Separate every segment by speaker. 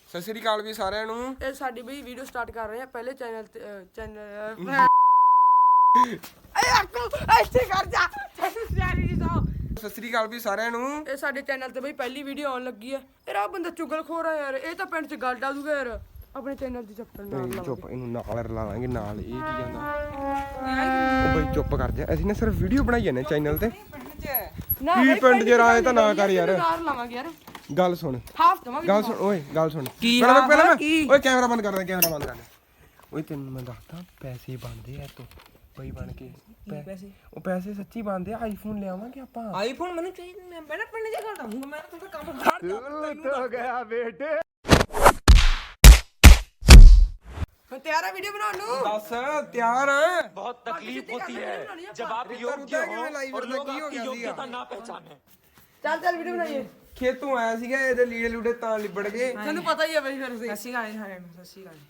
Speaker 1: ਸਤਿ ਸ੍ਰੀ ਅਕਾਲ ਵੀ ਸਾਰਿਆਂ ਨੂੰ।
Speaker 2: ਇਹ ਸਾਡੀ ਬਈ ਵੀਡੀਓ ਸਟਾਰਟ ਕਰ ਰਹੇ ਆ ਪਹਿਲੇ ਚੈਨਲ ਇੱਥੇ ਕਰ ਜਾ
Speaker 1: ਸਤਿ ਸ੍ਰੀ ਅਕਾਲ ਵੀ ਸਾਰਿਆਂ ਨੂੰ।
Speaker 2: ਇਹ ਸਾਡੇ ਚੈਨਲ ਤੇ ਬਈ ਪਹਿਲੀ ਵੀਡੀਓ ਆਉਣ ਲੱਗੀ ਹੈ। ਯਾਰ ਬੰਦਾ ਚੁਗਲਖੋਰ ਆ ਯਾਰ, ਇਹ ਤਾਂ ਪਿੰਡ 'ਚ ਗੱਲ ਡਾ ਦੂਗਾ ਯਾਰ। ਆਪਣੇ ਚੈਨਲ ਦੀ ਚੱਪਲ ਨਾਲ
Speaker 1: ਚੁੱਪ, ਇਹਨੂੰ ਨਾਲ ਰਲਾਵਾਂਗੇ ਨਾਲ। ਇਹ ਕੀ ਜਾਂਦਾ ਉਹ ਬਈ ਚੁੱਪ ਕਰ ਜਾ। ਅਸੀਂ ਨਾ ਸਿਰਫ ਵੀਡੀਓ ਬਣਾਈ ਜਾਂਦੇ ਚੈਨਲ ਤੇ। ਕੀ ਪਿੰਡ 'ਚ ਰਾਏ ਤਾਂ ਨਾ ਕਰ ਯਾਰ।
Speaker 2: ਨਾਲ ਲਾਵਾਂਗੇ ਯਾਰ।
Speaker 1: ਗੱਲ ਸੁਣ,
Speaker 2: ਹਾਫ ਦਵਾਂਗੇ।
Speaker 1: ਗੱਲ ਸੁਣ ਓਏ, ਗੱਲ ਸੁਣ।
Speaker 2: ਪਹਿਲਾਂ
Speaker 1: ਓਏ ਕੈਮਰਾ ਬੰਦ ਕਰ ਦੇ, ਕੈਮਰਾ ਬੰਦ ਕਰ ਦੇ। ਓਏ ਤੈਨੂੰ ਮੈਂ ਦੱਸਦਾ ਪੈਸੇ ਬਣਦੇ ਆ ਤੋਂ ਬਈ ਬਣ ਕੇ।
Speaker 2: ਪੈਸੇ
Speaker 1: ਉਹ ਪੈਸੇ ਸੱਚੀ ਬਣਦੇ ਆ। ਆਈਫੋਨ ਲਿਆਵਾਂਗੇ ਆਪਾਂ।
Speaker 2: ਆਈਫੋਨ ਮੈਨੂੰ ਚਾਹੀਦਾ। ਮੈਂ ਨਾ ਪਿੰਡ 'ਚ ਗੱਲ ਦਊਂਗਾ। ਮੈਂ ਤਾਂ ਕੰਮ ਕਰ
Speaker 1: ਹੋ ਗਿਆ ਬੇਟੇ।
Speaker 2: ਮੈਂ ਤਿਆਰ ਆ ਵੀਡੀਓ ਬਣਾਉਣ ਨੂੰ।
Speaker 1: ਦੱਸ ਤਿਆਰ ਆ।
Speaker 3: बहुत तकलीफ होती है जब आप योग्य हो और लोग आपकी योग्यता ना पहचाने।
Speaker 2: ਚੱਲ ਵੀਡੀਓ ਬਣਾਈਏ।
Speaker 1: ਖੇਤੋਂ ਆਇਆ ਸੀਗਾ, ਇਹਦੇ ਲੀੜੇ ਲੂੜੇ ਤਾਂ ਲਿਬੜ ਗਏ।
Speaker 2: ਤੁਹਾਨੂੰ ਪਤਾ ਹੀ ਆ ਬਈ ਫਿਰ ਤੁਸੀਂ।
Speaker 4: ਸੱਸੀ ਗਾਣੇ ਸਾਰਿਆਂ ਨੂੰ ਸੱਸੀ ਗਾਣੇ।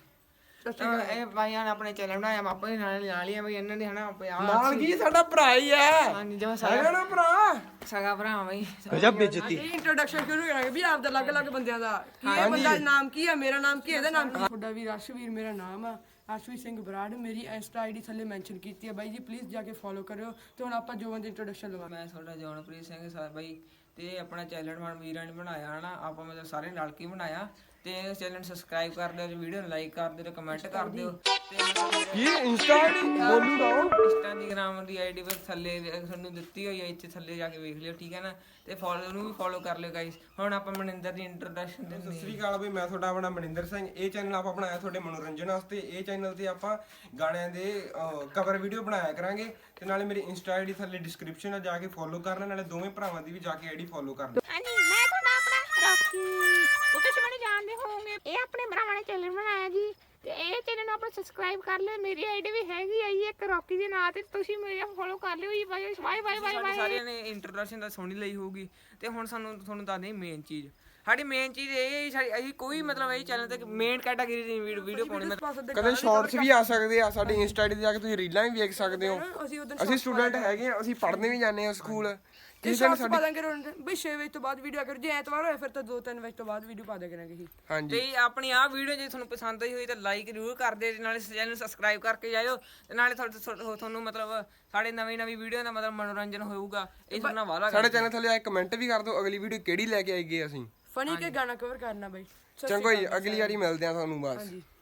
Speaker 4: ਇਹ ਭਾਈਆਂ ਨੇ ਆਪਣੇ ਚੈਨਲ ਬਣਾਇਆ, ਆਪਾਂ ਵੀ ਨਾਲ ਲਿਆ ਬਈ ਇਹਨਾਂ ਦੇ ਹਨਾ
Speaker 1: ਨਾਲ ਕੀ ਸਾਡਾ ਭਰਾ ਹੀ ਹੈ।
Speaker 4: ਹਾਂਜੀ ਜਿਵੇਂ
Speaker 1: ਹੈਗਾ ਨਾ ਭਰਾ।
Speaker 4: ਸਗਾ ਭਰਾ ਬਈ।
Speaker 3: गजब बेइज्जती।
Speaker 2: ਇਹ ਇੰਟਰੋਡਕਸ਼ਨ ਸ਼ੁਰੂ ਕਰਾਂਗੇ ਵੀ ਆਪ ਦਾ ਅਲੱਗ-ਅਲੱਗ ਬੰਦਿਆਂ ਦਾ। ਕੀ ਇਹ ਬੰਦਾ ਦਾ ਨਾਮ ਕੀ ਆ, ਮੇਰਾ ਨਾਮ ਕੀ ਹੈ, ਇਹਦਾ ਨਾਮ ਕੀ। ਤੁਹਾਡਾ ਵੀ ਅਰਸ਼ਵੀਰ ਮੇਰਾ ਨਾਮ ਆ, ਅਰਸ਼ਵੀਰ ਸਿੰਘ ਬਰਾੜ। ਮੇਰੀ ਇੰਸਟਾ ਆਈਡੀ ਥੱਲੇ ਮੈਂਸ਼ਨ ਕੀਤੀ ਹੈ ਬਾਈ ਜੀ, ਪਲੀਜ਼ ਜਾ ਕੇ ਫੋਲੋ ਕਰਿਓ। ਤੇ ਹੁਣ ਆਪਾਂ ਜੋਵਨ ਦੀ ਇੰਟਰੋਡਕਸ਼ਨ ਲਵਾਂਗੇ।
Speaker 4: ਮੈਂ ਤੁਹਾਡਾ ਜੌਨਪ੍ਰੀਤ ਸਿੰਘ ਸਰ ਬਾਈ ਤੇ ਆਪਣਾ ਚੈਨਲ ਮਨ ਵੀਰਾਂ ਨੇ ਬਣਾਇਆ ਹਨਾ। ਆਪਾਂ ਮਤਲਬ ਸਾਰੇ ਰਲ ਕੇ ਬਣਾਇਆ ਤੇ ਇਸ ਚੈਨਲ ਨੂੰ ਸਬਸਕ੍ਰਾਈਬ ਕਰ ਦਿਓ, ਵੀਡੀਓ ਨੂੰ ਲਾਈਕ ਕਰ ਦਿਓ, ਕਮੈਂਟ ਕਰ ਦਿਓ। ਤੇ
Speaker 1: ਕੀ ਇੰਸਟਾ ਆਈਡੀ ਬੋਲੂਗਾ ਉਹ।
Speaker 4: ਇੰਸਟਾਗ੍ਰਾਮ ਦੀ ਆਈਡੀ ਬਸ ਥੱਲੇ ਤੁਹਾਨੂੰ ਦਿੱਤੀ ਹੋਈ ਹੈ, ਇੱਥੇ ਥੱਲੇ ਜਾ ਕੇ ਵੇਖ ਲਿਓ, ਠੀਕ ਹੈ ਨਾ। ਤੇ ਫੋਲੋ ਨੂੰ ਵੀ ਫੋਲੋ ਕਰ ਲਿਓ ਗਾਇਸ। ਹੁਣ ਆਪਾਂ ਮਨਿੰਦਰ ਦੀ ਇੰਟਰੋਡਕਸ਼ਨ ਦਿੰਦੇ
Speaker 1: ਸਤਿ ਸ੍ਰੀ ਅਕਾਲ ਬਈ, ਮੈਂ ਤੁਹਾਡਾ ਆਪਣਾ ਮਨਿੰਦਰ ਸਿੰਘ। ਇਹ ਚੈਨਲ ਆਪਾਂ ਬਣਾਇਆ ਤੁਹਾਡੇ ਮਨੋਰੰਜਨ ਵਾਸਤੇ। ਇਹ ਚੈਨਲ ਤੇ ਆਪਾਂ ਗਾਣਿਆਂ ਦੇ ਕਵਰ ਵੀਡੀਓ ਬਣਾਇਆ ਕਰਾਂਗੇ। ਤੇ ਨਾਲੇ ਮੇਰੀ ਇੰਸਟਾ ਆਈਡੀ ਥੱਲੇ ਡਿਸਕ੍ਰਿਪਸ਼ਨ ਆ, ਜਾ ਕੇ ਫੋਲੋ ਕਰਨਾ। ਨਾਲੇ ਦੋਵੇਂ ਭਰਾਵਾਂ ਦੀ ਵੀ ਜਾ ਕੇ ਆਈਡੀ ਫੋਲੋ ਕਰ ਦਿਓ।
Speaker 5: ਹਾਂਜੀ ਮੈਂ ਤੁਹਾਡਾ ਆਪਣਾ ਰੌਕੀ, ਉਹ ਤੁਸੀਂ ਮੈਨੂੰ ਜਾਣਦੇ ਹੋਵੋਗੇ। ਇਹ ਆਪਣੇ ਭਰਾਵਾਂ ਨੇ ਚੈਨਲ ਬਣਾਇਆ ਜੀ, ਤੇ ਇਹ ਚੈਨਲ ਨੂੰ ਆਪਣਾ ਸਬਸਕ੍ਰਾਈਬ ਕਰ ਲਿਓ। ਮੇਰੀ ਆਈਡੀ ਵੀ ਹੈਗੀ ਆ ਜੀ ਇੱਕ ਰੌਕੀ ਦੇ ਨਾਂ ਤੇ, ਤੁਸੀਂ ਮੇਰਾ ਫੋਲੋ ਕਰ ਲਿਓ ਜੀ। Bye bye bye bye.
Speaker 4: ਸਾਰਿਆਂ ਨੇ ਇੰਟਰੋਡਕਸ਼ਨ ਤਾਂ ਸੁਣੀ ਲਈ ਹੋਊਗੀ। ਤੇ ਹੁਣ ਤੁਹਾਨੂੰ ਦੱਸਦੇ ਮੇਨ ਚੀਜ਼। ਸਾਡੀ ਮੇਨ ਚੀਜ਼ ਇਹ ਹੈ ਸਾਡੀ, ਅਸੀਂ ਕੋਈ ਮਤਲਬ ਇਹ ਚੈਨਲ ਤੇ ਮੇਨ ਕੈਟਾਗਰੀ ਦੀ ਵੀਡੀਓ ਪਾਉਣੀ।
Speaker 1: ਕਦੇ ਸ਼ਾਰਟਸ ਵੀ ਆ ਸਕਦੇ ਆ ਸਾਡੀ ਇੰਸਟਾ ਆਈਡੀ ਤੇ ਜਾ ਕੇ, ਤੁਸੀਂ ਰੀਲਾਂ ਵੀ ਵੇਖ ਸਕਦੇ ਹੋ। ਅਸੀਂ ਸਟੂਡੈਂਟ ਹੈਗੇ ਆ, ਅਸੀਂ ਪੜ੍ਹਨੇ ਵੀ ਜਾਂਦੇ ਆ ਸਕੂਲ।
Speaker 2: ਕਿਸੇ ਦਿਨ ਸਾਡੀ ਪਾ ਦਾਂਗੇ ਬਈ 6 ਵਜੇ ਤੋਂ ਬਾਅਦ ਵੀਡੀਓ ਅਗਰ ਜੇ ਐਤਵਾਰ ਹੋਇਆ ਫਿਰ ਤਾਂ 2-3 ਵਜੇ ਤੋਂ ਬਾਅਦ ਵੀਡੀਓ ਪਾ ਦਿਆ ਕਰਾਂਗੇ।
Speaker 1: ਹਾਂਜੀ
Speaker 4: ਤੇ ਆਪਣੀ ਆਹ ਵੀਡੀਓ ਜੇ ਤੁਹਾਨੂੰ ਪਸੰਦ ਆਈ ਹੋਈ ਤਾਂ ਲਾਈਕ ਜ਼ਰੂਰ ਕਰ ਦਿਓ, ਤੇ ਨਾਲੇ ਚੈਨਲ ਨੂੰ ਸਬਸਕ੍ਰਾਈਬ ਕਰਕੇ ਜਾਇਓ। ਤੇ ਨਾਲੇ ਤੁਹਾਨੂੰ ਮਤਲਬ ਸਾਡੇ ਨਵੀਂ ਵੀਡੀਓ ਦਾ ਮਤਲਬ ਮਨੋਰੰਜਨ ਹੋਊਗਾ। ਇਹ ਸੁਣਨਾ ਵਾਲਾ
Speaker 1: ਸਾਡੇ ਚੈਨਲ ਥੱਲੇ ਆ ਕਮੈਂਟ ਵੀ ਕਰ ਦਿਓ ਅਗਲੀ ਵੀਡੀਓ ਕਿਹੜੀ ਲੈ ਕੇ ਆਈਏ ਅਸੀਂ।
Speaker 2: ਫਨੀ ਕੇ ਗਾਣਾ ਕਵਰ ਕਰਨਾ ਬਾਈ।
Speaker 1: ਚੰਗੋ ਜੀ, ਅਗਲੀ ਵਾਰੀ ਮਿਲਦੇ ਆ ਤੁਹਾਨੂੰ ਬਸ।